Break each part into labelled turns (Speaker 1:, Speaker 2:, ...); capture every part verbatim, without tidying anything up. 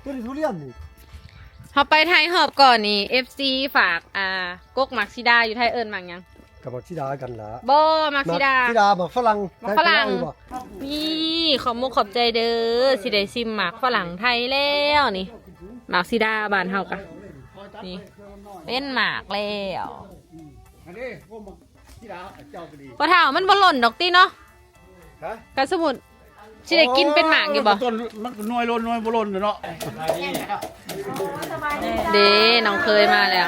Speaker 1: ตัวนี้ทุเรียนนี่
Speaker 2: เขาไปไทยหอบก่อนนี่ เอฟ ซี ฝากอ่ากกมักซิดาอยู่ไทยเอิญมังยัง
Speaker 1: กับมักซิดากันละ
Speaker 2: บ่มักซิดา
Speaker 1: มักซิดามักฝรั่ง
Speaker 2: มักฝรั่งนี่ขอบมุกขอบใจเด้อสิได้ซิมหมักฝรั่งไทยแล้วนี่มักซิดาบ้านเฮากะนี่เป็นหมากแล้วพอเท่ามันบ่หล่นดอกตีเนาะกันสมุดสิได้กินเป็นหมากอยู่บ่
Speaker 3: ต้นมันน้อยล้นน้อยบ่ล้นเนาะ
Speaker 2: เด้น้องเคยมาแล้ว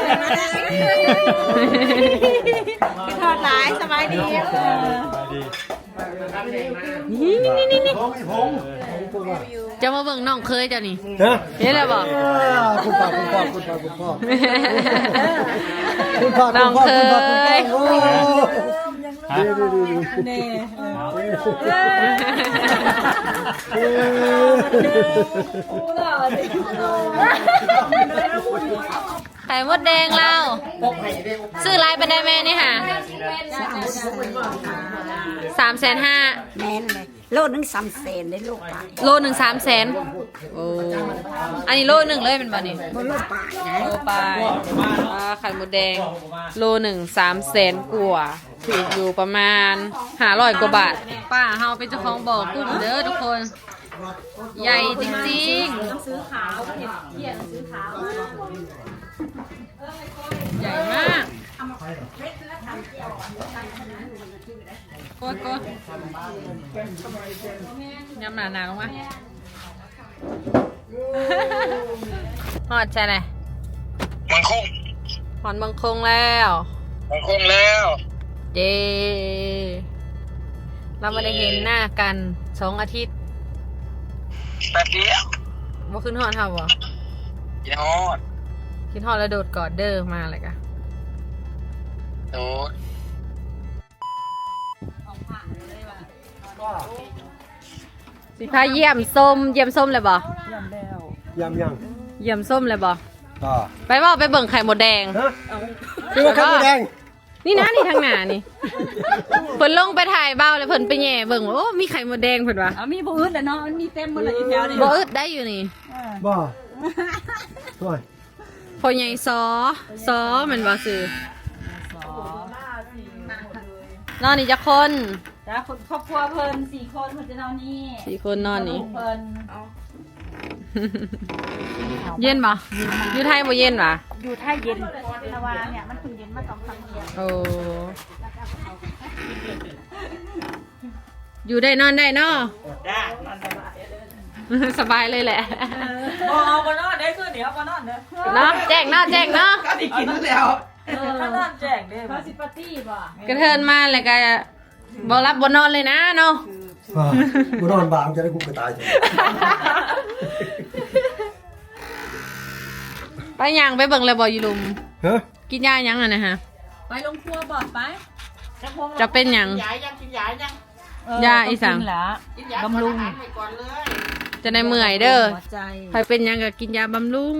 Speaker 4: ทอดหลายสบายดี
Speaker 2: นี่นี่นี่นี่จะมาเบิ่งน้องเคยเจ้านี่เห็นแล้วบ่
Speaker 1: คุณพ่อคุณพ่อคุณพ่อคุณพ่อคุณพ่อ
Speaker 2: น้องเคยไข่มดแดงเราซื้อลายไปได้แม่นี่ค่ะสามแสนห้า
Speaker 4: แม่นเลยโลนึงสามแสนได้โลป่า
Speaker 2: โลหนึ่งสามแสนโอ้อันนี้โลหนึ่งเลยเป็นบ่นี่
Speaker 4: โลป่า
Speaker 2: โลปลายไข่มดแดงโลหนึ่งสามแสนกว่าถูกอยู่ประมาณห้าร้อยกว่าบาทป้าเฮาเป็นเจ้าของบ่อกุ้งเด้อทุกคนใหญ่จริงๆต้องซื้อขาวเห็ดเขียนซื้อขาวใหญ่มากโกดโกดยำหนาหนาลงมาหอดใช่ไหม
Speaker 3: มังคง
Speaker 2: หอนมังคงแล้ว
Speaker 3: มังคงแล้ว
Speaker 2: เจเราไม่ได้เห็นหน้ากันสองอาทิตย์
Speaker 3: แป๊บเดียว
Speaker 2: ว่าขึ้นหอดเท่าบ่
Speaker 3: กินฮอด
Speaker 2: กินหอดแล้วโดดกอดเด้อมาเลยกะ
Speaker 3: โดด
Speaker 2: สิพาเยี่ยมส้มเยี่ยมส้มเลยบ่
Speaker 1: ยำแล้วยำยัง
Speaker 2: เยี่ยมส้มเลยบ่
Speaker 1: ต่อ
Speaker 2: ไปบ่ไปเบิ่งไข่มดแดง
Speaker 1: ฮะคือไข่มดแดง
Speaker 2: นี่นะนี่ทางหน้านี่เพิ่นลงไปถ่ายเบ้าเลยเพิ่นไปแย่เบิ่งโอ้มีไข่มดแดงเพิ่นว่า
Speaker 4: เอามีบ่อึดแล้วเนาะมันมีเต็มหมดเลยอีแถวนี่
Speaker 2: บ่อึดได้อยู่นี่
Speaker 1: บ่ช่วย
Speaker 2: พ่อใหญ่ซอซอมันบ่ซื้อ นอนนี่จะคน
Speaker 4: จ้าคนครอบครัวเพิ่นสี่คนเพิ่นจะนอนนี่
Speaker 2: สี่คนนอนนี่
Speaker 4: เพิ่น
Speaker 2: เย็นปะอยู่ไทยบ่เย็นปะ
Speaker 4: อยู่ไทยเย็นแต่ว่าเนี่ยมันเพิ่งเย็นมาสองสามเดือน
Speaker 2: โอ้อยู่ได้นอนได้เนาะสบายเลยแหละ
Speaker 4: เอาเอามานอนได้คือเดี๋ยวมานอนเด้อ
Speaker 2: เนาะแจ้งเนาะแจ้งเนาะ
Speaker 3: ก็ได้กินแล้ว
Speaker 4: ถ้านอนแจ้งเด้อเขาสิปาร์ตี้บ่
Speaker 2: กระเทินมาเลยก็บ่รับบ่นอนเลยนะเนาะ
Speaker 1: บ่นอนบางจะได้กูกระตายจ้ะ
Speaker 2: ไปย่างไปเบิ่งเลยบ่อยู่ลุม
Speaker 1: ฮะ
Speaker 2: กินยายังอ่ะนะฮะ
Speaker 4: ไปลงครัวบ่ไป
Speaker 2: จะเป็นหยัง
Speaker 3: ยายังกินยายัง
Speaker 2: ยาอีสัง
Speaker 4: บำรุง
Speaker 2: จะได้เมื่อยเด้อใครเป็นยังก็กินยาบำรุง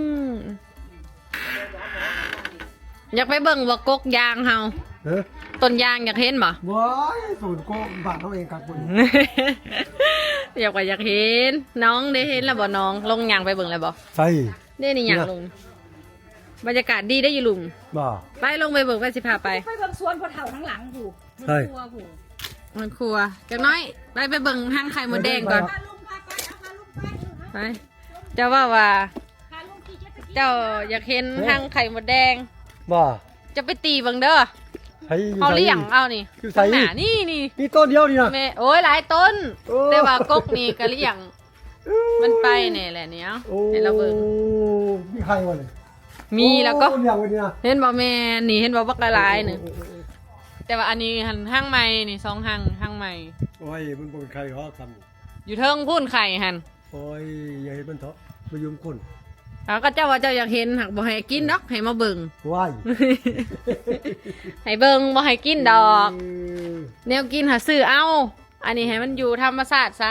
Speaker 2: อยากไปเบิ่งว่ากกยางเฮาต้นยางอยากเห็นบ่
Speaker 1: ว้ายสูตรโกงบาดเขาเองครับคุณ
Speaker 2: อยากไปอยากเห็นน้องได้เห็นแล้วบ่น้องลงยางไปเบิ่งแล้วบ่
Speaker 1: ใช่
Speaker 2: ได้นี่ยางลงบรรยากาศดีได้อยู่ลุง
Speaker 1: บ่
Speaker 2: ไปลงไปเบิ่งไปสิพาไป
Speaker 4: ไปเบิ่งสวนพอเฒ่าทั้งหลังผู
Speaker 1: ใช่
Speaker 2: มันครัวจักน้อยไปไปเบิ่งห้างไข่มดแดงก่อนไปเจ้าว่าว่าเจ้าอยากเห็นห้างไข่มดแดง
Speaker 1: บ่
Speaker 2: จะไปตีบังเด้อเอาเลี้ยงเอานี่ข้างหน้านี่นี่
Speaker 1: นี่ต้นเดียวนี่นะ
Speaker 2: แม่โอ้ยหลายต้นแต่ว่ากกนี่ก็เลี้ยงมันไปเนี่ยแหละเนี้ยเห็นเราเบิ่ง
Speaker 1: มีใครวะเนี่ย
Speaker 2: มีแล้วก็เห็นบ่แม่นี่เห็นบ่บักหลายๆนี่แต่ว่าอันนี้หันห้างใหม่นี่สองห้างห้างใหม่
Speaker 1: โอ้ยมันเป็นใครเขาท
Speaker 2: ำอยู่เทิงพุ่นไข่หัน
Speaker 1: โอ้ยอย่าเห็นมันเถอะมายุ่งคน
Speaker 2: แล้วก็เจ้าว่าเจ้าอยากเห็นหักบ่ให้กินดอกให้มาเบิ่ง
Speaker 1: ว้าย
Speaker 2: ให้เบิ่งบ่ให้กินดอกแนวกินหาซื้อเอาอันนี้ให้มันอยู่ธรรมชาติซะ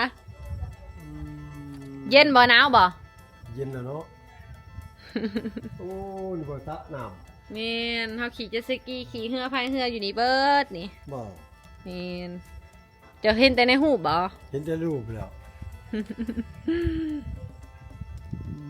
Speaker 2: เย็นบ่หนาวบ่
Speaker 1: เย็นนะเนาะโอ้นี่บ่สะน้
Speaker 2: ำแม่นเฮาขี่เจ็ตสกีขี่เรือพายเรืออยู่นี่เบิดนี่
Speaker 1: บ่
Speaker 2: แม่นจะเห็นแต่ในรูปบ่
Speaker 1: เห็นแต่รูปแล้ว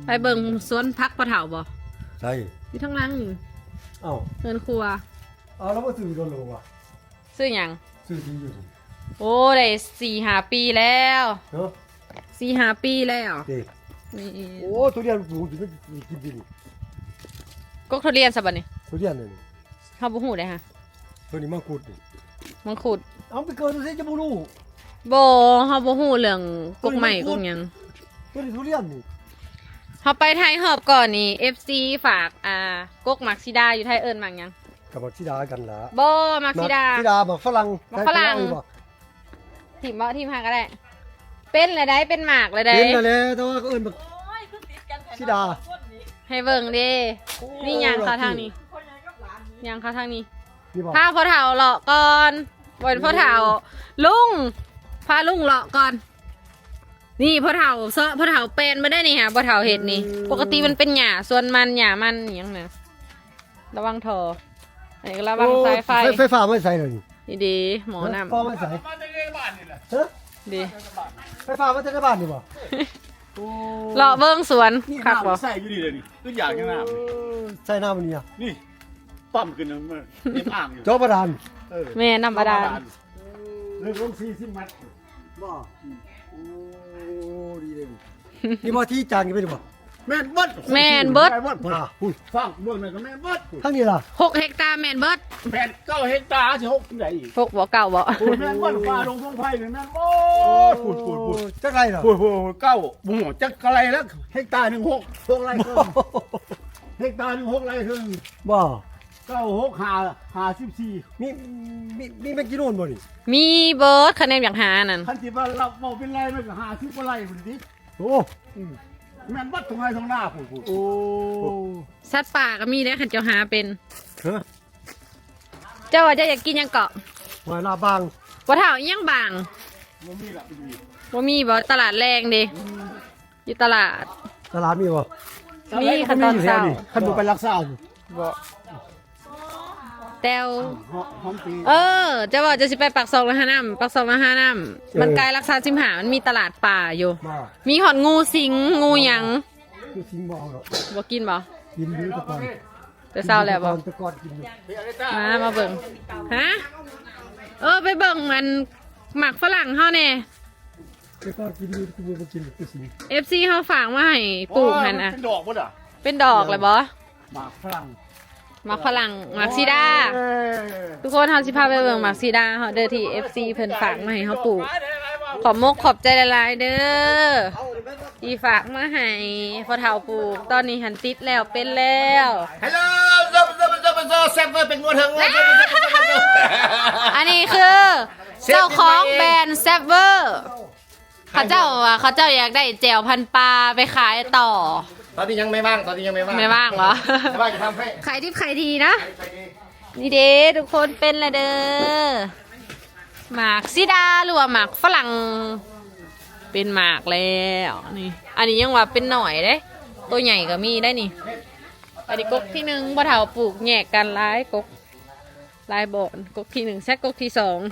Speaker 2: ไปเบิ่งสวนพักปลาเถาบ่
Speaker 1: ใช่
Speaker 2: อยู่ทั้งหลังนี่
Speaker 1: เอ้า
Speaker 2: เงินครัว
Speaker 1: เอาแล้วมาซื้อโดนโลว่ะ
Speaker 2: ซื้อหยัง
Speaker 1: ซื้อที่อยู่นี่
Speaker 2: โอ้ได้สี่ห้าปีแล้ว
Speaker 1: เนาะ
Speaker 2: สี่ห้าปีแล้ว
Speaker 1: เด็ก
Speaker 2: นี่
Speaker 1: โอ้ทุเรียนปลูกอยู่ไม่กินดิน
Speaker 2: กกทุเรียนซะบัดนี้
Speaker 1: ทุเรียนนี่
Speaker 2: เฮาบ่ฮู้ได้ฮะ
Speaker 1: ตัวนี้มังคุดนี่
Speaker 2: มังคุด
Speaker 1: เอาไปเกินดูสิจะบ่รู้
Speaker 2: บ่เฮาบ่ฮู้เรื่องกกใหม่กกหยัง
Speaker 1: ตัวนี้ทุเรียนนี่
Speaker 2: เฮาไปไทยหอบก่อนนี่ เอฟ ซี ฝากอ่ากกมักซิดาอยู่ไทยเอิ้นมักหยัง
Speaker 1: กับบักชิดากันละ
Speaker 2: บ่มักซิดา
Speaker 1: ชิดาบักฝรั่ง
Speaker 2: บักฝรั่ง
Speaker 1: ได้บ่
Speaker 2: ทีมบ่ทีมหาก็ได้ เป็นเลยได้เป็นหมากเลยได้
Speaker 1: เป็นนั่นแหละแต่ว่าก็เอิ้นบักชิดา
Speaker 2: ให้เบิ่งเด้นี่หยังเขาทางนี้หยังเขาทางนี้
Speaker 1: นี่บ่
Speaker 2: พาพ่อเฒ่าเลาะก่อนบ่เป็นพ่อเฒ่าลุงพาลุงเลาะก่อน นี่พ่อเฒ่าเซาะพ่อเฒ่าเป็นมาได้นี่ฮะพ่อเฒ่าเห็ดนี่ ปกติมันเป็นหญ้าส่วนมันหญ้ามันอหยังน่ะระวังท่ออันนี้ก็ระวังสายไฟ
Speaker 1: โอ้ไฟฟ้าไม่ใส่เลยนี่
Speaker 2: นี่ดีหมอน้
Speaker 1: ฟ้าไม่ใส่
Speaker 3: มาในบ้านนี่แหละ
Speaker 1: ฮะ
Speaker 2: ำดี
Speaker 1: ไฟฟ้าไม่ใส่ในบ้านนี่บ่โอ้
Speaker 2: เลาะเบิ้งสวนคักบ่
Speaker 5: ใส่อยู่ดีเลยนี่ตัวอย่างยังน้
Speaker 1: ใส่น้ำมันนี่อ่ะ
Speaker 5: ำนี่ปั๊มขึ้นนะมันเต็มอ่างอยู่
Speaker 1: จอประดาน
Speaker 5: เออ
Speaker 2: แม่น้ำบาดาล
Speaker 5: เรื่องลงสี่สิบเมตร
Speaker 1: บ่โอ้ดีเลยนี่นี่บ่ที่จางกันไปดิบ่
Speaker 5: แม่นเบิด
Speaker 2: แม่นเบิด
Speaker 5: แม่นเบิด
Speaker 1: อ่ะอุ้ย
Speaker 5: ฟังเบื้องหนึ่งก็แม่นเบิด
Speaker 1: ทั้งนี้ล่ะ
Speaker 2: หกเฮกตาร์แมนเบิร์ด
Speaker 5: แผ่นเก้าเฮกตาร์สิหกที่ไหนอีก
Speaker 2: หกบ่เก่าบ่
Speaker 5: โอ้ยแม่นเบิดฟ้าลงพงไผ่เลยแม่นโอ้ยพูดพูดพูด
Speaker 1: จักไรเหรอ
Speaker 5: พูดพูดเก้าบุ้งจักอะไรแล้วเฮกตาร์หนึ่งหกหกไรครึ่งเฮกตาร์หนึ่งหกไรครึ่ง
Speaker 1: บ่
Speaker 5: เก้าหกห้าห้าสิบสี่
Speaker 1: มีมีมีแมงกิโนนบ่นี่
Speaker 2: มีเบิร์ดคะแนนอย่างหานั่น
Speaker 5: คันที่ว่าเราเอาเป็นไรมันก็ห้าสิบกว่าไรพุ่นดิ
Speaker 1: โอ้
Speaker 5: แม่นเบัดตรงไหนตรงหน้าพูดพูด
Speaker 1: โอ้
Speaker 2: สัตว์ป่าก็มีได้ขันเจ้าหาเป็น
Speaker 1: ฮะ
Speaker 2: เจ้าว่าเจะอยากกินหยังเกาะ
Speaker 1: หอยลาบาง
Speaker 2: บ่เท่าอิหยังบาง
Speaker 5: มันมีละเป็นมี
Speaker 2: บ่มีบ่ตลาดแรงเดิอยู่ตลาด
Speaker 1: ตลาดมีบ่
Speaker 2: มีขั้นตอนเช้า
Speaker 5: ขันบุไปรักษาอยู่
Speaker 2: บ่แต้ว
Speaker 5: หอหอมปี
Speaker 2: เออเจะว่าจะสิไปปักซองละห้าน้ำปักซองละห้าน้ำมันไกลรักษาสิมหามันมีตลาดป่าอยู่
Speaker 1: มา
Speaker 2: มีหอดงูสิงงูหยัง
Speaker 1: คือสิงบ่เอาหรอก
Speaker 2: บ่กินบ่
Speaker 1: กินอยู่แตะกอน
Speaker 2: แต่เศร้าแล้วบ่
Speaker 1: แตะกอนกินอยู่
Speaker 2: มามาเบิ่งฮะเออไปเบิ่งมันหมักฝรั่งเฮาแน่
Speaker 1: แตะกอนกินอยู่กินอยู่บ่กินคือสิง
Speaker 2: เอฟ ซี เฮาฝากมาให้ปลูกหั่นน่ะ
Speaker 5: เป็นดอกบ่ด่ะ
Speaker 2: เป็นดอกเลยบ่
Speaker 5: หมากฝรั่ง
Speaker 2: หมักฝรั่งหมักซีดา ทุกคนเฮาสิพาไปเบิ่งหมักซีดาเฮาเด้อที่ เอฟ ซี เพิ่นฝากมาให้เฮาปลูก ขอบมกขอบใจหลายๆเด้อที่ฝากมาให้พอเฒ่าปลูก ตอนนี้หันติดแล้วเป็นแล้ว
Speaker 5: ฮัลโหลซับซับซับซับแซ่บเป็นงวดถึง
Speaker 2: อันนี้คือ เจ้าของแบรนด์แซฟเวอร์เขาเจ้าว่าเขาเจ้าอยากได้แจวพันปลาไปขายต่อ
Speaker 5: ตอนนี้ยังไม่ว่างตอนนี้ยังไม่ว่าง
Speaker 2: ไม่ว่างเหรอ
Speaker 5: ไม่ว่างจะทำให้
Speaker 2: ขายทิพย์ขายทีนะ นี่เด้ทุกคนเป็นละเด้อหมากซิดาหรือว่าหมากฝรั่งเป็นหมากแล้วนี่ อันนี้ยังว่าเป็นหน่อยเด้ ตัวใหญ่ก็มีได้นี่ อันนี้กกที่หนึ่งบ่เฒ่าปลูกแยกกันหลายกกหลายบ่อนกกที่หนึ่งแซกกกที่สอง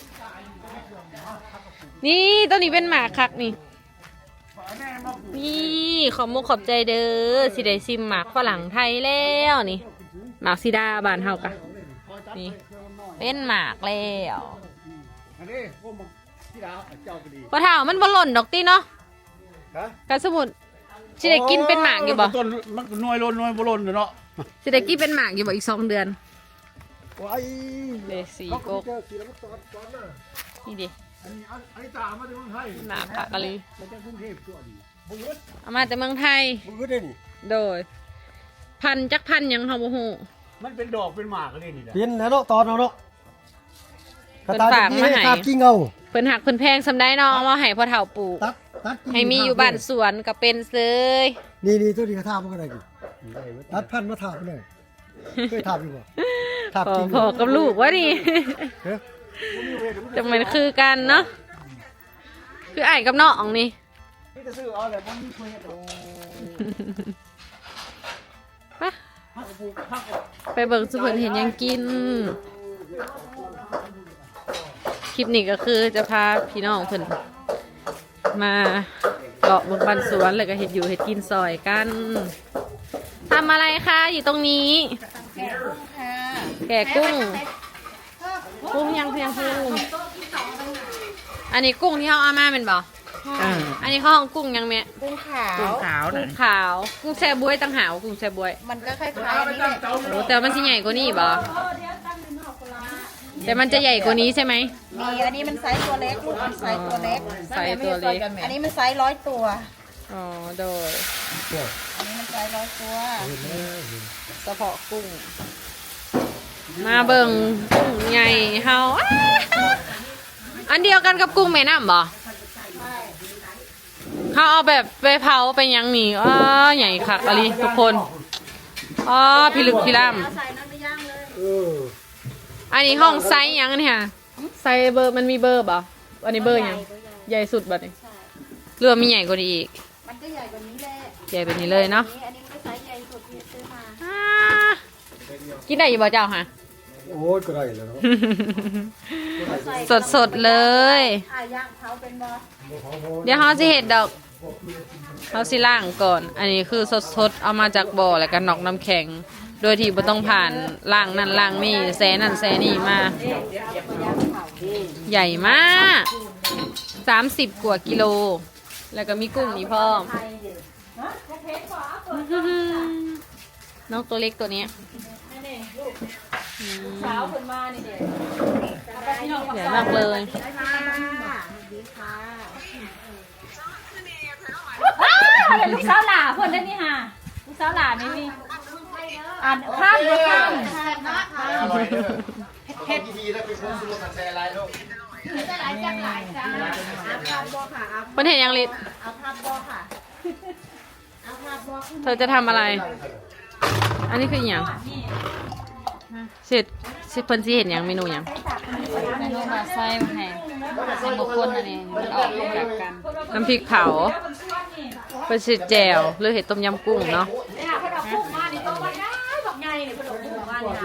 Speaker 2: นี่ตัวนี้เป็นหมากคักนี่ นี่ขอบมุกขอบใจเด้อสิได้ซิมหมากฝรั่งไทยแล้วนี่หมากซิดาบ้านเฮากะนี่เป็นหมากแล้ว
Speaker 5: อันนี้พวกมันที่ดาวเจ้าพอดี
Speaker 2: พอเท่ามันบ่หล่นดอกตีเนาะ
Speaker 5: ฮะ
Speaker 2: กันสมุดสิได้กินเป็นหมากอยู่บ่
Speaker 5: ต้นมันน้อยล้นน้อยบ่ล้นเนาะ
Speaker 2: สิได้กินเป็นหมากอยู่บ่อีกสองเดือน
Speaker 1: ว้าย
Speaker 2: เลสีกก
Speaker 1: เจอสีแล้วมันตอนตอนน่ะ
Speaker 2: นี่ดิ
Speaker 5: อันนี้อันนี้ตามมาจากเมืองไทย
Speaker 2: หมากผักกะลี
Speaker 5: มาจากกรุงเทพตัวดี
Speaker 2: เอามาแต่เมืองไทย
Speaker 1: มึงก็ได้นี่
Speaker 2: โดย พันจักพันหยังเฮาบ่ฮู้
Speaker 5: มันเป็นดอกเป็นหมากเลยนี่แหละ
Speaker 1: เป็นแล้วเนาะตอนเอาเนาะ
Speaker 2: เพิ่นฝากมาให้
Speaker 1: กระตากิ้งเอา
Speaker 2: เพิ่นหักเพิ่นแพงซำได้เนาะเอามาให้พ่อเฒ่าปลูก
Speaker 1: ตัดตัดกิ้ง
Speaker 2: ให้มีอยู่บ้านสวนก็เป็นเซย
Speaker 1: นี่นี่ตัวนี้กระทามันก็ได้ดิตัดพันธุ์มาถามมันเลยเคยถามอยู่บ่ถาม
Speaker 2: พอ
Speaker 1: กิ้ง
Speaker 2: พอกับลูกวะนี่
Speaker 1: เฮ้ย
Speaker 2: จังมันคือกันเนาะคือไอ้ายกับน้องนี่
Speaker 5: นี่จะซื้อเอาแหละมันมีคุยกันโอ้
Speaker 2: ไป
Speaker 5: ฮักกูฮัก
Speaker 2: ไปเบิ่งสุเพิ่นเห็นหยังกิน คลิปนี้ก็คือจะพาพี่น้องเพิ่นมาเกาะบนบันสวนเลยก็เห็ดอยู่เห็ดกินซอยกันทำอะไรคะอยู่ตรงนี้ แกะกุ้งกุ้งยังเพียงกุ้งอันนี้กุ้งที่เขาเอามาเป็นบ่อันนี้เขาห้องกุ้งยังแม่
Speaker 4: กุ้งขาว
Speaker 2: กุ้งขาวกุ้งขาวกุ้งแช่บวยต่างหากกุ้งแช่บวย
Speaker 4: มันก็คล้ายๆนี่แหละ
Speaker 2: โอ้แต่ว่ามันสิใหญ่กว่านี้บ่แต่มันจะใหญ่กว่านี้ใช่ไหม
Speaker 4: มีอันนี้มันไซส์ตัวเล็กลูกมันไซส์ตัวเล็ก
Speaker 2: ไซส์ตัวเล็ก
Speaker 4: อันนี้มันไซส์ร้อยตัว
Speaker 2: อ๋อโดย
Speaker 4: อันนี้มันไซส์ร้อยตัว
Speaker 2: เฉพาะกุ้ง มาเบิ่งกุ้งใหญ่เฮาอ้าอันเดียวกันกับกุ้งแม่น้ำบ่เขาเอาแบบไปเผาไปยังนี่อ้าใหญ่คักอะไรทุกคนอ๋อพิลึกพิล่ำ
Speaker 4: ใส่น้ำไปย่างเลย
Speaker 1: เออ
Speaker 2: อันนี้ห้องไซส์ยังเนี่ยไซส์เบอร์มันมีเบอร์ป่ะอันนี้เบอร์ยังใหญ่สุดแบบนี้เรือมีใหญ่กว่านี้อีก
Speaker 4: มันก็ใหญ่กว่านี้แหละ
Speaker 2: ใหญ่แบบนี้เลยเนาะ
Speaker 4: อันนี้ก็ไซส์ใหญ่สุดที่ซื้อมา
Speaker 2: อ่ากินได้อยู่บ่เจ้าฮะ
Speaker 1: โอ้ยก็ได้แล้วเนาะ
Speaker 2: สดสดๆเลย
Speaker 4: อ่ะย่างเผาเป็นบอ
Speaker 2: เดี๋ยวเขาสิเห็ดดอกเขาสิล่างก่อน อันนี้คือสดสดๆเอามาจากบ่อแล้วก็นอกน้ำแข็ง โดยที่บ่ต้องผ่านล่างนั่นล่างนี่แซนั่นแซนี่มา ใหญ่มากสามสิบกว่ากิโล แล้วก็มีกุ้งนี่พ่อมน้องตัวเล็กตัวนี้เช้าขึ้นมานี่เด็กใหญ่มากเลย
Speaker 4: ดีค่ะ
Speaker 6: เป็นลูกสาวหล่าเพื่อนได้นี่ฮะลูกสาวหล่านี่นี่อ่านข้ามเลยข้าม
Speaker 5: เฮ็ดดีแล้วเป็นคนสมุทรแชร์ไรลูก
Speaker 4: หลายจังหลายจ้าเอาภาพบอค่ะเอา
Speaker 2: เพิ่นเห็นยังลิศ
Speaker 4: เอาภาพบอค่ะเอาภาพบอขึ้น
Speaker 2: เธอจะทำอะไร อันนี้คืออหย่างเสร็จสิเพิ่นสิเห็นหยังเมนูหยัง
Speaker 6: เมนูมาไส้มาให้ใส่บุคคลอันนี้มันออกแบบกัน
Speaker 2: น้ำพริกเผาเป็นสิแจ่วหรือเห็ดต้มยำกุ้งเนาะ
Speaker 6: เนี่ยเพิ่นเอากุ้งมานี่ต้องมาได้บอกไงนี่เพิ่นเอากุ้งมานี่นะ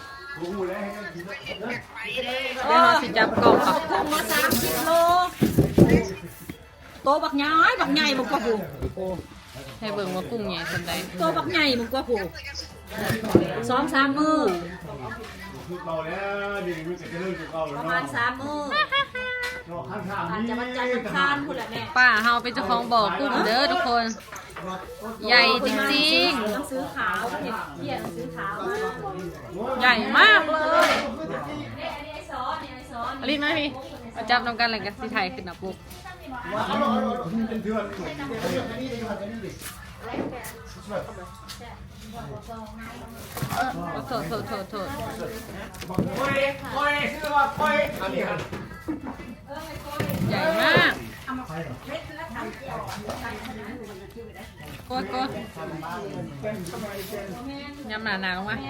Speaker 2: เดี๋ยวเราสิจับกล่องเอา
Speaker 6: กุ้งมาสามสิบโลโตบักใหญ่บักใหญ่บักกว่าผู้
Speaker 2: ให้เบิ่งว่ากุ้งใหญ่ส่วนใด
Speaker 6: โตบักใหญ่บักกว่าผู้สองสามมือ
Speaker 5: เก่าแล้วดีมันจะเริ่มเก่าแล้ว
Speaker 6: ประมา
Speaker 5: เนาะ
Speaker 6: ณสามมือ
Speaker 5: ข้างข้าง
Speaker 6: อาจ
Speaker 5: นี้
Speaker 6: จะวันจันทร์อังคารพุ่นแหละแม่
Speaker 2: ป้าเฮาเป็นเจ้าของบ่อกุ้งเด้อทุกคน ใหญ่จริง
Speaker 6: หนังสือขาวเห็นเขียนหนังสือขาว
Speaker 2: ๆ ใหญ่มากเลยอลินมาพี่มาจับนำกันเลยกันสิไทยขึ้นนะปุ๊บ
Speaker 5: เป็นเถื่อน
Speaker 2: โทษโทษโทษโทษ
Speaker 5: คอยคอยชื่อว่าคอยอันนี้ครับ
Speaker 2: ใหญ่มากโกดโกดยำหนาหนาลงมา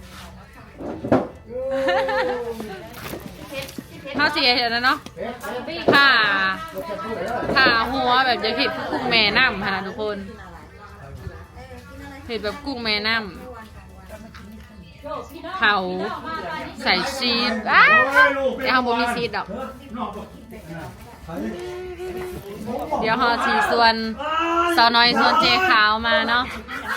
Speaker 2: ข้าวเสียเห็นแล้วเนาะผ่าผ่าหัวแบบจะเห็ดกุ้งแม่น้ำค่ะทุกคนเห็ดแบบกุ้งแม่น้ำเผาใส่ชีสอ้าวแต่เขาบอกมีชีสดอก เดี๋ยวเขาสีส่วนสาวน้อยส่วนเจขาวมาเนาะ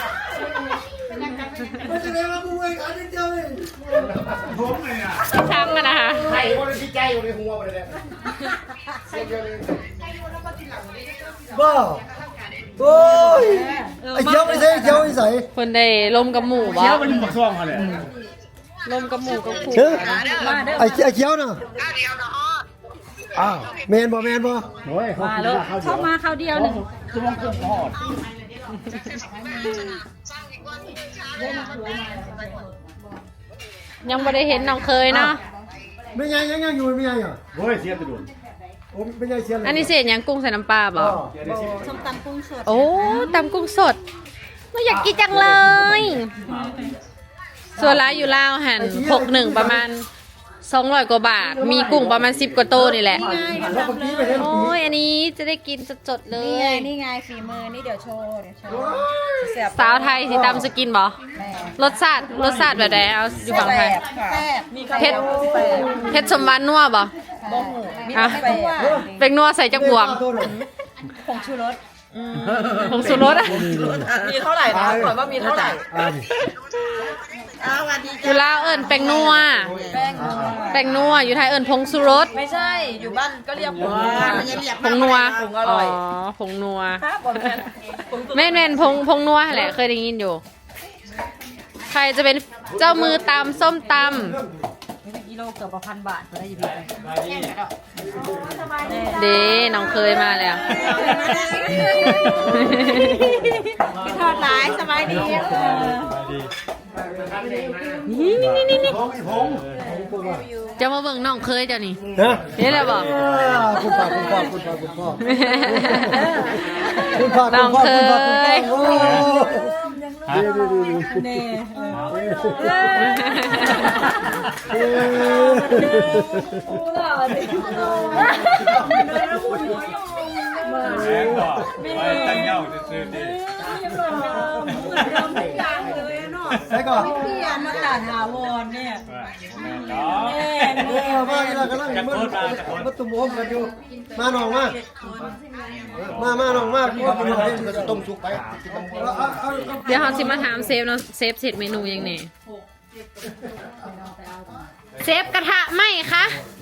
Speaker 1: มันจะได้มาบุ้งไอ้ขาเดียวเลย
Speaker 5: ผมเลยอ่ะ
Speaker 2: ช้ำกันนะคะ
Speaker 5: ไข่คนที่ใจอยู่ในหัวไปเลยเสียเดียวเลย
Speaker 1: บ้าโอ้ยไอ้เจียวไม่ใช่เจียวไม่ใส่
Speaker 2: คนได้ลมกับหมูบ่
Speaker 5: เที่ยวมันปักซ่องเขาเลย
Speaker 2: ลมกับหมูกับผู
Speaker 1: เฮ้ยไอ้ไอ้เจียวน่ะอ้าวแมนบ่แมนบ่
Speaker 5: โอ้ยเขา
Speaker 6: มาแล้วเข้ามาคราวเดียวหนึ่ง
Speaker 5: จะมองกุ้งทอด
Speaker 2: ยังไม่ได้เห็นน้องเคยเนาะ
Speaker 1: ไม่ใหญ่ยังยังอยู่ไม่ใหญ่อ่ะ
Speaker 5: โอ้ยเสียไปดุน
Speaker 1: โอ้ไม่ใหญ่เชียนเลย
Speaker 2: อันนี้เศษยังกุ้งใส่น้ำปลาบ่
Speaker 4: ส้มตำกุ้งสด
Speaker 2: โอ้ตำกุ้งสดเราอยากกินจังเลย ส่วนร้านอยู่ลาวหันหกหนึ่งประมาณสองร้อยกว่าบาท มีกุ้งประมาณสิบกว่าโตนี่แหละ
Speaker 1: แล้วเมื่อกี้ไปเห็น
Speaker 2: โอ้ยอันนี้จะได้กินสดๆเล
Speaker 4: นี่ไง
Speaker 2: ย
Speaker 4: นี่ไงฝีมือนี่เดี๋ยวโชว์เดี๋ยวโชว์เสียบ
Speaker 2: สาวไทยสิตำสกินบ่
Speaker 4: แม่
Speaker 2: รสชาติรสชาติแบบไหนเอาอยู่ฝั่งไทย
Speaker 4: แซ่บ
Speaker 2: เผ็ดเผ็ดสมบันนัวบ่
Speaker 4: บ่หูมี
Speaker 2: อ่ะ
Speaker 4: แต่แซ่บ
Speaker 2: เป็นนัวใส่จักบวง
Speaker 4: ผงชูรส
Speaker 1: โ
Speaker 2: ผงชูรสอะ
Speaker 3: มีเท่าไหร่นะก่อนว่ามีเท่าไหร่
Speaker 1: อ่านี่
Speaker 2: อยู่ลาวเอิญแป้งนัวแป้งนัวอยู่ไทยเอิญผงชูรส
Speaker 3: ไม่ใช่อยู่บ้านก็เรียกผงมันยังเรียก
Speaker 2: ผงนัว
Speaker 3: ผงอร่อย
Speaker 2: อ๋อผงนัว
Speaker 3: ครับผม
Speaker 2: แม่นแม่นผงผงนัวแหละเคยได้ยินอยู่ ใครจะเป็นเจ้ามือตำส้มตำ
Speaker 3: กิโลเกือบพันบาทก็ได้อยู่ดี
Speaker 2: เด้น้องเคยมาแล้ว
Speaker 4: กินทอดหลายสบายดี
Speaker 2: นี่นี่นี่นี่
Speaker 5: พงอีพง
Speaker 2: จะมาเบิ่งน้องเคยเจ้านี่
Speaker 1: นะ
Speaker 2: นี่แหละบอก
Speaker 1: คุณพ่อคุณพ่อคุณพ่อคุณพ่อคุณพ่อ
Speaker 2: น้องเคย
Speaker 1: โอ้ดีดีดี
Speaker 7: แรงกว่าไปตั้งเงาจะซื้อดี
Speaker 1: ใช่ก่อน
Speaker 3: พี่อันมาตาถาวรเนี่ย
Speaker 7: แม่เนาะ
Speaker 1: เออมาอีกแล้วกำลังมันมันตุ่มโอมกันอยู่มาหน่องมามามาหน่องมาพูดกันหน่อย
Speaker 5: จะต้มสุกไป
Speaker 2: เดี๋ยวเขาสิมาถามเซฟเนาะเซฟเสร็จเมนูยังไงเซฟกระทะไหมคะ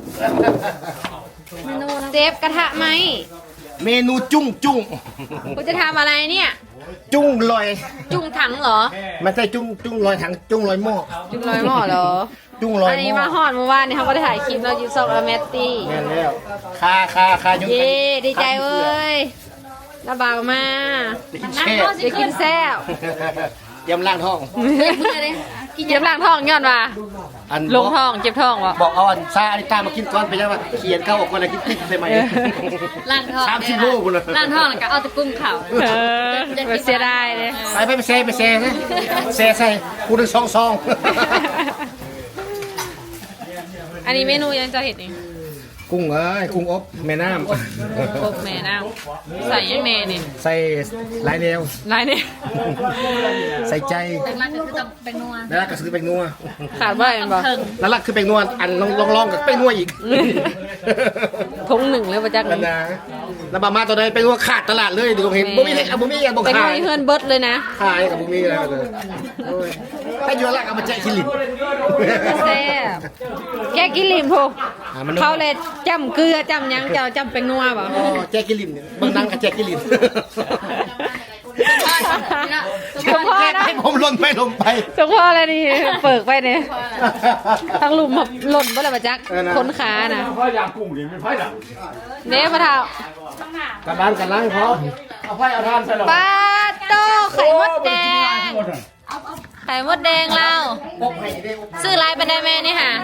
Speaker 2: เมนูเซฟกระทะไหม
Speaker 5: เมนูจุ้งจุ้ง
Speaker 2: คุณจะทำอะไรเนี่ย
Speaker 5: จุ้งลอย
Speaker 2: จุ่งถังเหรอ
Speaker 5: ไม่ใช่จุ้งจุ้งลอยถังจุ้งลอยหม้อ
Speaker 2: จุ่งลอยหม้อเหรอ
Speaker 5: จุ้งลอย
Speaker 2: อัน
Speaker 5: ห
Speaker 2: นี้
Speaker 5: ม้อ
Speaker 2: มาฮอดเมื่อวานนี่เขาก็ได้ถ่ายคลิปเราอยู่ซอกอเมตตี้
Speaker 5: แม่นแล้วคาคาคายุ่ง
Speaker 2: เย้ดีใจเว้ยระบาวมา
Speaker 5: แช่
Speaker 2: จะกินแซ่บ
Speaker 5: ยำล่างท้อง
Speaker 2: กินเจ็บล่างท้องย้อนว่า
Speaker 5: อัน
Speaker 2: ลงท้องเจ็บท้องวะ
Speaker 5: บอกเอาอันซาอันนี้ตามากินก่อนไปยังว่าเขียนเข้าออกก่อนแล้วกินติ๊กใช่ไหม
Speaker 2: ล่างท้อง
Speaker 5: สามสิบโลกูเลย
Speaker 2: ล่างท้องแล้วก็เอาตะกุ้งเข่าเออแบบเสียดายเลย
Speaker 5: ไปไปไปเซไปเซนะเซใส่กูหนึ่งซองซอง
Speaker 2: อันนี้เมนูยังจะเห็นเอง
Speaker 5: กุ้งเอ้ยกุ้งอบแม่น้
Speaker 2: พกแม่น้ำใส่ยังแม่นี่
Speaker 5: ำใส่หลายแนว
Speaker 2: ลายนี่
Speaker 5: ใส่ใจ
Speaker 2: ล่างก็คือเป็นนัว
Speaker 5: แล้วก็ซื้อแป้งนัว
Speaker 2: ขาดว่าอะไรบ่
Speaker 5: แล้วลักคือแป้งนัวอันลองลองลองกับแป้งนัวอีก
Speaker 2: ทงหนึ่งเลยประจักษ์
Speaker 5: กันนะแล้วบามาตัวใดแป้งนัวขาดตลาดเลยดูเห็นบ่มีเลยบ่มีอย่างบ่
Speaker 2: เป็น
Speaker 5: ขา
Speaker 2: นั
Speaker 5: ยว
Speaker 2: เพื่อนเบิร์ดเลยนะ
Speaker 5: ขายกับบ่มีอะไรเลยโอ้ยถ้าอยู่ละเอามาแจกคิลิน
Speaker 2: แซ่บแกกินลิมพกเขาเลยจำเกลือจำหยังเจ้าจำเป็นนัวบ่
Speaker 5: อ๋อแจกคิลินเนี่ยบางนังกับแจกคิลิน
Speaker 2: สมพ่อนะ
Speaker 5: ให้ผมหล่นไปลงไป
Speaker 2: สมพ่ออะไรนี่เปิกไปเนี่ยทั้งหลุมแบบหล่นบ่เลยประจักษ์คนขาน่ะ
Speaker 7: พ่อยางกุ้งดิไม่พ่อยดัง
Speaker 2: เด้พระเท้า
Speaker 5: กันล้างกันล้างพอเอาไฟเอาทานใส่หรอ
Speaker 2: ปลาโตไข่มดแดงไข่มดแดงเราซื้อลายไปได้ไหมนี่ค่ะ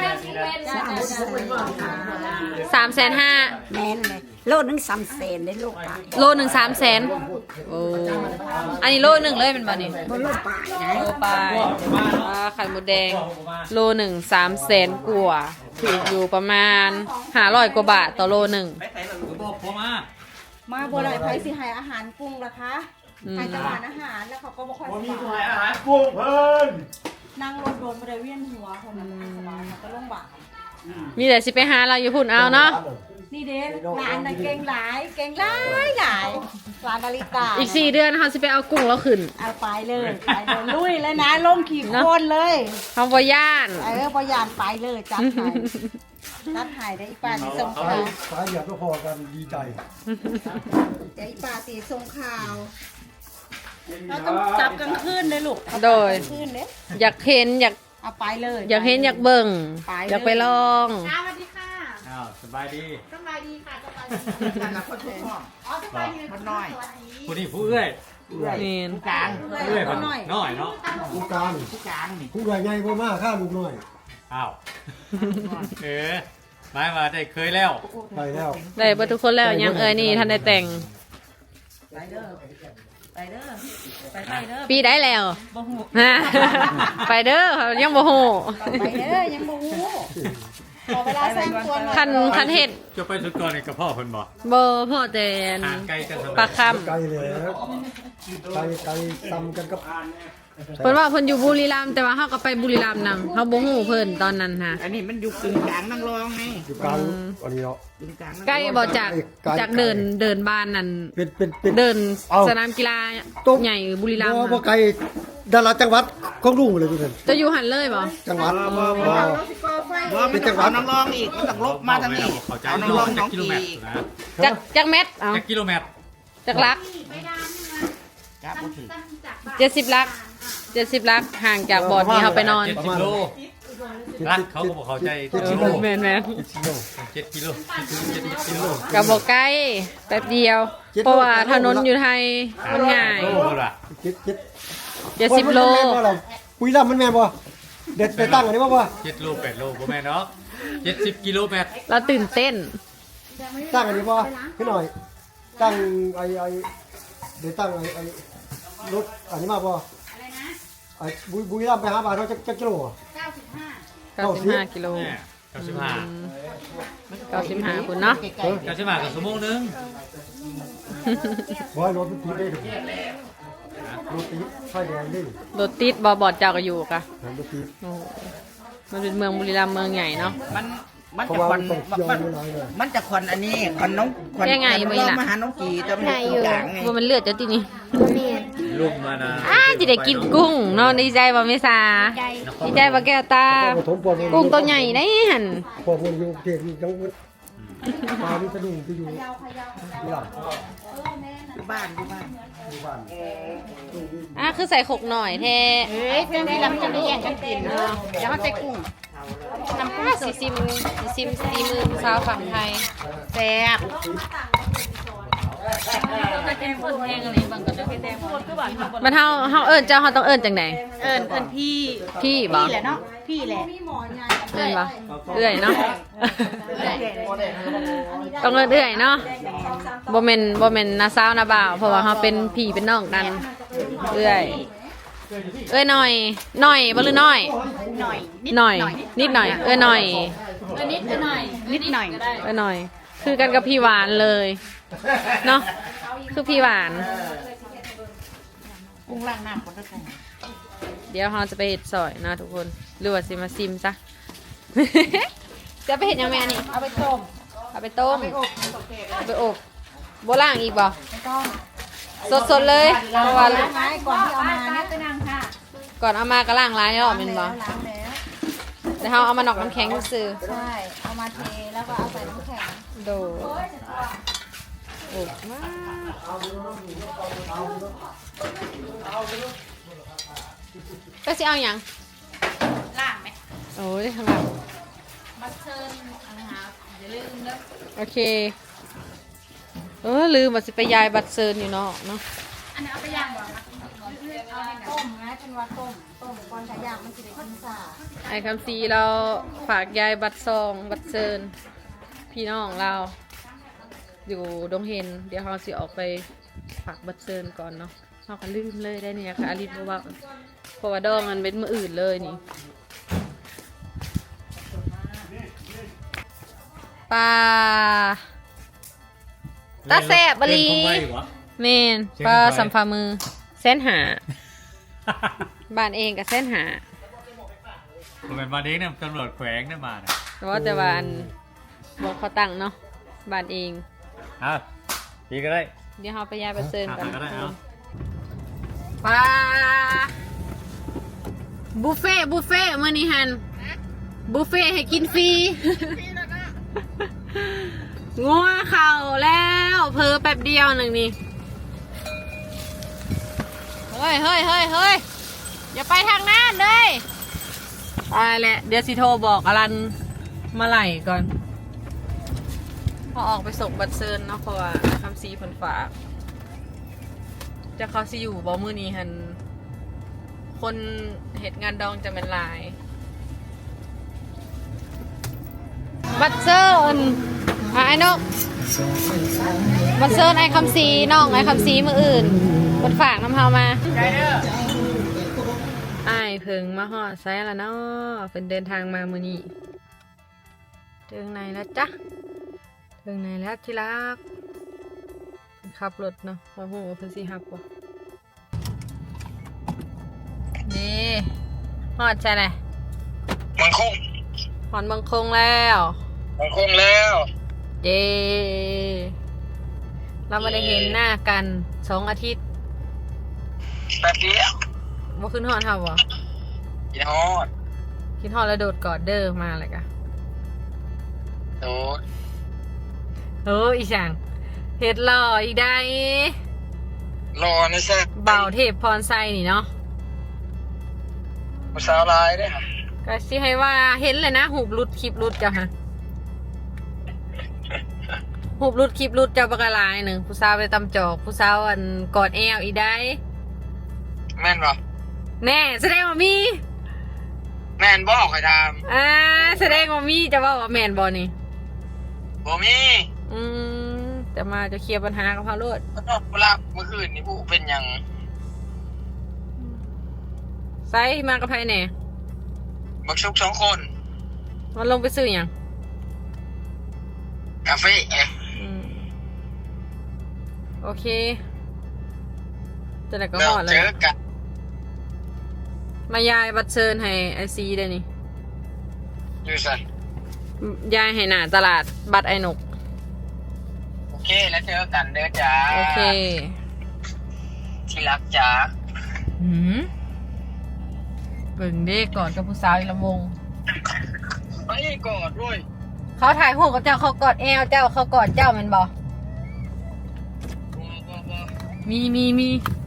Speaker 2: สามแสนห้า
Speaker 4: แม่นเลยโลนึงสามเซนได้ลูกปลา
Speaker 2: โลหนึ่งสามแสนโอ้อันนี้โลหนึ่งเลยเป็นบ่นี่
Speaker 4: บนลูกปลาไหน
Speaker 2: โลไปอ่าไข่มดแดง โลหนึ่งสามแสนกว่าถูกอยู่ประมาณห้าร้อยกว่าบาทต่อโลหนึ่ง
Speaker 7: บอกผมมา
Speaker 4: มาบัวไหลไผสิให้อาหารกุ้งล่ะคะให้ตะวันอาหารแล้วเขาก็บ่ค่อยสบาย
Speaker 7: อาหารกุ้งเพิ่น
Speaker 4: นั่งรถโดนบ่ได้เวียนหัวคนนั้นสบายก็ลงบาก
Speaker 2: มีแต่สิไปหาเราอยู่พุ่นเอาเนาะ
Speaker 4: นี่เด้ร้านน่ะเก่งหลายเก่งหลายหลายร้านนาฬิกา
Speaker 2: อีกสี่เดือนเขาสิไปเอากุ้งแล้วขึ้น
Speaker 4: เอาไปเลยไปเลยลุยเลยนะลงขี่โคลนเลย
Speaker 2: เขาบ่ย่าน
Speaker 4: เออพยานไปเลยจัดให้จัดให้ได้อีป่าสีส่งข่าว
Speaker 1: สายเหยียบก็พอกันดีใจ
Speaker 4: เดี๋ยวอีป่าสีส่งข่าวเราต้องจับกลางคืนเลยลูกเอา
Speaker 2: โดย
Speaker 4: กลางคืนเด้
Speaker 2: อยากเห็นอยาก
Speaker 4: เอาไปเลย
Speaker 2: อยากเห็นอยากเบิ่งอยากไปลอง
Speaker 4: สวัสดีค่ะ
Speaker 7: อ้าวสบายดี
Speaker 4: สบายดีค่ะสบายดีค่ะแล้วคนทุกห้องอ๋อสบายดีมันน้อย
Speaker 7: ผู้นี้ผู้เอื้อย
Speaker 2: นี่
Speaker 4: กลาง
Speaker 7: เอื้อยมันน้อยเนาะ
Speaker 1: ผู้การผู้ใหญ่ใหญ่บ่มากข้าลูกน้อย
Speaker 7: อ้าวเออหมายมาได้เคยแล้ว
Speaker 1: ไปแล้ว
Speaker 2: ได้เบ่ทุกคนแล้วยังเอ้ยนี่ท่านได้แต่ง
Speaker 3: ไปเด้อไปเด้อไปไปเด้อ
Speaker 2: ปีได้แล้ว
Speaker 3: บ่ฮู้
Speaker 2: ฮะไปเด้อยังบ่ฮู้
Speaker 4: ไปเด้อยังบ่ฮู้ขอเวลาสร้างตัวหน่อย
Speaker 2: คันคันเฮ็ด
Speaker 7: จะไปสุดก่อนในกระเพาะคนบอก
Speaker 2: เบอร์พ่อแตน
Speaker 7: อ่านใกล้กันทำไม
Speaker 2: ปลาค่
Speaker 1: ไกลเลยไกลไกลซ้ำกันกับ
Speaker 2: ำเพิ่นว่าเพิ่นอยู่บุรีรัมย์แต่ว่าเฮาก็ไปบุรีรัมย์นำเฮาบ่ฮู้เพิ่นตอนนั้นฮะ
Speaker 3: อันนี้มันอยู่กึ่งกลางนั่งรองไง
Speaker 1: อยู่กลางอันนี้เนาะ
Speaker 3: กึ่งกลางนั่งรอง
Speaker 2: ใกล้บ่จากจากเดินเดินบ้านนั่น
Speaker 1: เป็นเป็นเป็น
Speaker 2: เดิน
Speaker 1: เอ้า
Speaker 2: สนามกีฬา
Speaker 1: ตุ๊บ
Speaker 2: ใหญ่บุรีรัมย์
Speaker 1: บ่บ่
Speaker 2: น่ะ
Speaker 1: ไกลดาราจังหวัดของลุงเลยพี่เพิ่น
Speaker 2: จะอยู่หันเลยบ่
Speaker 1: จังหวัดบ่
Speaker 3: ว่ามันจะเอานั่งรองอีกมันต้องลบมาทางนี้
Speaker 7: เข้าใจ
Speaker 3: เอานั่งรองน้อง
Speaker 7: กิโล
Speaker 3: กี
Speaker 7: เมตร
Speaker 3: อีก
Speaker 7: นะ
Speaker 2: จักจักเม็ดเอ้า
Speaker 7: จักกิโลเมตร
Speaker 2: จักลัก
Speaker 3: จับบ่ถือ
Speaker 2: เจ็ดสิบลักเจ็ดสิบลักห่างจากบ่อนที่เฮาไปนอน
Speaker 7: เจ็ดสิบโลรัดเขาก็บอกเข้าใจเจ็ดกิโล
Speaker 2: แม่นแม่น
Speaker 7: เจ็ดกิโลเจ็ดกิโล
Speaker 2: กับบ่ใกล้แป๊บเดียว เพราะว่าถนนอยู่ไทยมันง่าย
Speaker 7: โลละ
Speaker 1: เจ็ดเจ็ด
Speaker 2: เจ็ดสิบโล
Speaker 1: มันแม่นบ่ล่ะปุ้ยลำมันแม่นบ่เด็ดไปตั้งอันนี้บ่บ่
Speaker 7: เจ็ดโลแปดโลบ่แม่นเนาะเจ็ดสิบกิโลเมตร
Speaker 2: เราตื่นเต้น
Speaker 1: ตั้งอันนี้บ่พี่หน่อย ตั้งไอ้ไอ้เดี๋ยวตั้งไอ้ไอ้รถอันนี้มาบ่ไอ้บุยบุยลำไปหาบาทเท่าจักจักกิโลอะ
Speaker 2: เก้าสิบห้ากิโล
Speaker 7: เนี่ยเก้าสิบห้า
Speaker 2: เก้าสิบห้าคุณเนาะ
Speaker 1: เออ
Speaker 7: เก้าสิบห้ากับชั่วโมงนึง
Speaker 1: บ่ให้รถมันติดได้ดิรถติดไฟแดงดิ
Speaker 2: รถติดบอบอดเจ้าก็อยู่กะ
Speaker 1: รถติด
Speaker 2: โอ้โหมันเป็นเมืองบุรีรัมย์เมืองใหญ่เนาะ
Speaker 3: มันมัน
Speaker 1: เพราะ
Speaker 3: จะ
Speaker 1: ว่า
Speaker 3: ควั
Speaker 1: มัน นต้องเกี่ยว
Speaker 3: มัน
Speaker 1: อยู่หลายเลย
Speaker 3: มันจะควันอันนี้ควันน้องควัน
Speaker 2: ยังไง
Speaker 3: ควัน
Speaker 2: มึง
Speaker 3: รอบ
Speaker 2: ล่ะ
Speaker 3: มาหาน้องกีแต่มันอยู่กลางไง
Speaker 2: ว่ามันเลือดจะที่นี่
Speaker 7: ลุงมานะ
Speaker 2: อ้าจะได้กินกุ้งเนาะดีใจบ่เมษาดีใจบ่แก้วตา
Speaker 1: ปฐมปวด
Speaker 2: กุ้งตัวใหญ่ได้หัน
Speaker 1: ปวดมันอยู่เขตนี่จังหวัดปลานี่สะดุ้งที่อยู่นี่ล่ะ
Speaker 3: อยู่บ้านอยู่บ้าน
Speaker 1: อยู่บ้าน
Speaker 2: อ่ะคือใส่ขกหน่อยแท้
Speaker 4: เฮ้ยเพื่อนที่เราจะได้แย่งกันกินเนาะอย่ามาใส่กุ้ง
Speaker 2: น้ำปลาสีซิมสีซิมสีมือสาวฝั่งไทย
Speaker 4: แซ่บ
Speaker 2: มันเฮาเฮาเอิ้นเจ้าเฮาต้องเอิ้นจังได
Speaker 4: เอิญเอิญพี่
Speaker 2: พี่บ่
Speaker 4: พี่แหละเนาะพี่แหละ
Speaker 2: เอิ้นบ่เอื้อยเนาะต้องเอิ้นเอื้อยเนาะบ่แม่นบ่แม่นน้าสาวน้าบ่าวเพราะว่าเฮาเป็นพี่เป็นน้องกันเอื้อยเอ้ยหน่อยหน่อยบ่หรือน้อย
Speaker 4: หน่อย
Speaker 2: หน่อย นิดหน่อย เอ้ยหน่อย
Speaker 4: นิดหน่อยนิดหน่อย
Speaker 2: เอ้ยหน่อย คือกันกับพี่หวานเลยเนาะคือพี่หวาน
Speaker 3: กุ้งล่างน้ำคนละกุ้ง
Speaker 2: เดี๋ยวเราจะไปเห็ดซอยนะทุกคนหรือว่าสิมาซิมซะ จะไปเห็ดยังไงนี่
Speaker 4: เอาไปต้ม
Speaker 2: เอาไปต้ม
Speaker 4: ไปอบ
Speaker 2: เอาไปอบโบล่างอีกบ่สดสดๆเลยเพราะว่า
Speaker 4: ล้างไม้ก่อนที่เอามาเนี่ยไปนั่งค่ะ
Speaker 2: ก่อนเอามากระล่างร้ายรอบเป็นบ่
Speaker 4: ล้างแล้ว
Speaker 2: เดี๋ยวเราเอามาหนอกน้ำแข็งซื้อ
Speaker 4: ใช่เอามาเทแล้วก็เอาใส่น้ำแข็ง
Speaker 2: โดอบมากก็สิเอาอย่าง
Speaker 4: ล้างไหม
Speaker 2: โอ้ยทางหลัง
Speaker 4: มาเชิญอาหารอย่าลืมเด้อ
Speaker 2: โอเคเออลืมว่าสิไปยายบัตรเซิร์นอยู่เนาะเนาะ
Speaker 4: อันนี้เอาไปย่างก่อนนะเอาไปต้มนะเป็นว่าต้มต้มก่อนถ้าย่างมันจะได้กินซ่า
Speaker 2: ไอ้คำซีเราฝากยายบัตรซองบัตรเซิร์นพี่น้องเราอยู่ดงเฮนเดี๋ยวเราสิออกไปฝากบัตรเซิร์นก่อนเนาะเราก็ลืมเลยได้เนี่ยค่ะอลินบอกว่าเพราะว่าดองมันเป็นมืออื่นเลยนี่ปลาตาแสบบรี
Speaker 7: เล่นของไว้เหรอ
Speaker 2: เมนปลาสัมภามือเส้นหาบ้านเองกับเส้นหา
Speaker 7: ผมเป็นมาเด็กเนี่ยตำรวจแขวงเนี่ยมาเนี่ย
Speaker 2: แต่ว่าแต่ว่าอันบอกเขาตั้งเนาะบ้านเอง
Speaker 7: อ่ะพี่ก็ได้
Speaker 2: เดี๋ยวเราไปย้ายไปเซิร์นกัน
Speaker 7: หาก็ได้เอา
Speaker 2: ปลาบุฟเฟ่บุฟเฟ่เมื่อนี้ฮันบุฟเฟ่ให้กินฟรีงัวเข่าแล้วเพอแป๊บเดียวหนึ่งนี่เฮ้ยเฮ้ยเฮ้ยเฮ้ยอย่าไปทางนั้นเลยตายแหละเดี๋ยวสิโทรบอกอลันมาไหลก่อนพอออกไปส่งบัตรเซิร์นเนาะเพราะว่าคำซีผลฝากจะเขาสิอยู่บ่มื้อนี้ฮันคนเหตุงานดองจะเป็นหลาย บัตรเซิร์นอ่ะไอ้นกบัตรเซิร์นไอ้คำซีน้องไอ้คำซีมืออื่นบนฝากน้ำเฮามาไอ้ายเพิงมาฮอดไซแล้วเนาะเป็นเดินทางมามื้อนี้เจอข้างในแล้วจ้ะถึงไหนแล้วที่รักขับรถเนาะว่าหูเพิ่นสิฮับบ่นี่ฮอดใช่ไหม
Speaker 8: มังคง
Speaker 2: ฮอดเมืองคงแล้ว
Speaker 8: มังคงแล้ว
Speaker 2: เย้เราไม่ได้เห็นหน้ากันสองอาทิตย์
Speaker 8: แป๊บเดียว
Speaker 2: ว่าขึ้นฮอดเฮาบ่
Speaker 8: กินฮอด
Speaker 2: คิดฮอดแล้วโดดกอดเด้อมาเลยกะ
Speaker 8: โอ้
Speaker 2: เอออีช่างเฮ็ดหล่ออีกได้
Speaker 8: รอนะแซ่
Speaker 2: เบาเทพพรไซนี่เนาะ
Speaker 8: ภาษาลายได้ฮะ
Speaker 2: ก็สิให้ว่าเห็นเลยนะหูบรุดคลิปรุดจ้ะฮะหูบรุดคลิปรุดเจ้าปากกาลายหนึ่งผู้สาวไปตำจอกผู้สาวอันกอดแอวอีกได้
Speaker 8: แม่นบ่
Speaker 2: แน่แสดงว่ามี
Speaker 8: แม่นบ่ใครท
Speaker 2: อ่าแสดงว่ามีจะว่าว่าแมนบอนี่
Speaker 8: ำบ่มี
Speaker 2: อืมจะมาจะเคลียร์ปัญหากับเขาโลด
Speaker 8: ก็ต้องเวลาเมื่อคืนนี่ผู้เป็นหยัง
Speaker 2: ไซมากับไผแหน่
Speaker 8: บักชุกสองคน
Speaker 2: มันลงไปซื้ออย่าง
Speaker 8: กาแฟเอ๊ะ
Speaker 2: อืมโอเคจะไหนก็
Speaker 8: เรา
Speaker 2: หอดเล
Speaker 8: เจ
Speaker 2: ย
Speaker 8: อกัน
Speaker 2: มายายบัตรเชิญให้ไอซีได้นี่
Speaker 8: อยู่ใส่
Speaker 2: ยายให้หนาตลาดบัตรไอหนก
Speaker 8: โอเคแล้วเจอกันเด้อจ้า
Speaker 2: โอเค
Speaker 8: ที่รักจ้า
Speaker 2: หืมเบิ่งเด้กอดกับผู้สาวอีกละวง
Speaker 8: ไปกอดด้วย
Speaker 2: เขาถ่ายหัวกับเจ้าเขากอดแอวเจ้าเขากอดเจ้าแมันบอ
Speaker 8: บ่บ่บ่
Speaker 2: มีมีมี